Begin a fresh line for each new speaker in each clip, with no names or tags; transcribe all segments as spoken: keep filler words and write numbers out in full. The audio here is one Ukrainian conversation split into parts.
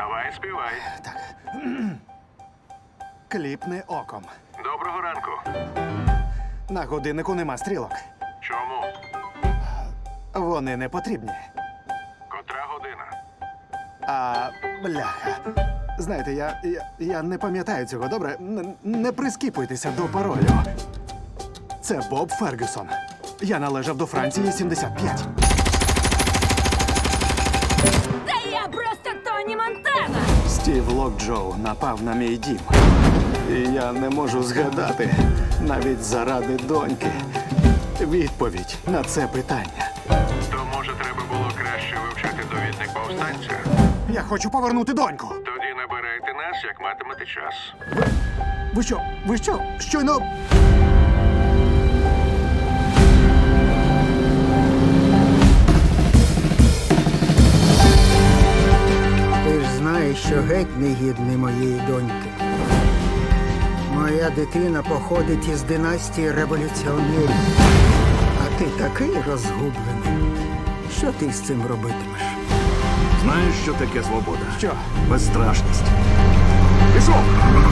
Давай, співай.
Так. Кліпни оком.
Доброго ранку.
На годиннику нема стрілок.
Чому?
Вони не потрібні.
Котра година?
А бляха. Знаєте, я, я, я не пам'ятаю цього, добре? Н- не прискіпуйтеся до паролю. Це Боб Фергюсон. Я належав до Франції сімдесят п'ять.
Та я просто Тоні Монтана!
Стів Локджоу напав на мій дім. І я не можу згадати, навіть заради доньки, відповідь на це питання.
То, може, треба було краще вивчати довідник повстанця?
Я хочу повернути доньку.
Тоді набирайте нас, як матимете час.
Ви що? Ви що? Щойно...
Ти ж знаєш, що геть не гідний моєї доньки. Моя дитина походить із династії революціонерів. А ти такий розгублений. Що ти з цим робитимеш?
Знаєш, що таке свобода?
Що?
Безстрашність. Пішов!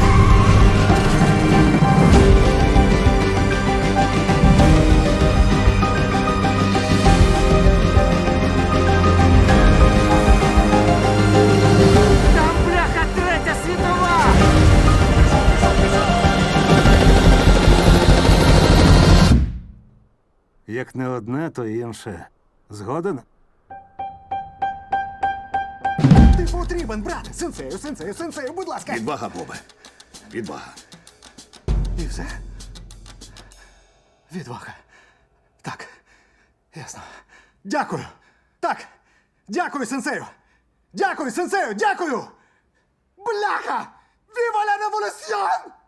Там бляха третя світова!
Як не одне, то інше. Згоден?
Ти потрібен, брат! Сенсею, сенсею, сенсею, будь ласка!
Відвага, Бобе. Відвага.
І все? Відвага. Так. Ясно. Дякую. Так. Дякую, сенсею. Дякую, сенсею, дякую! Бляха! Віва ла революціон!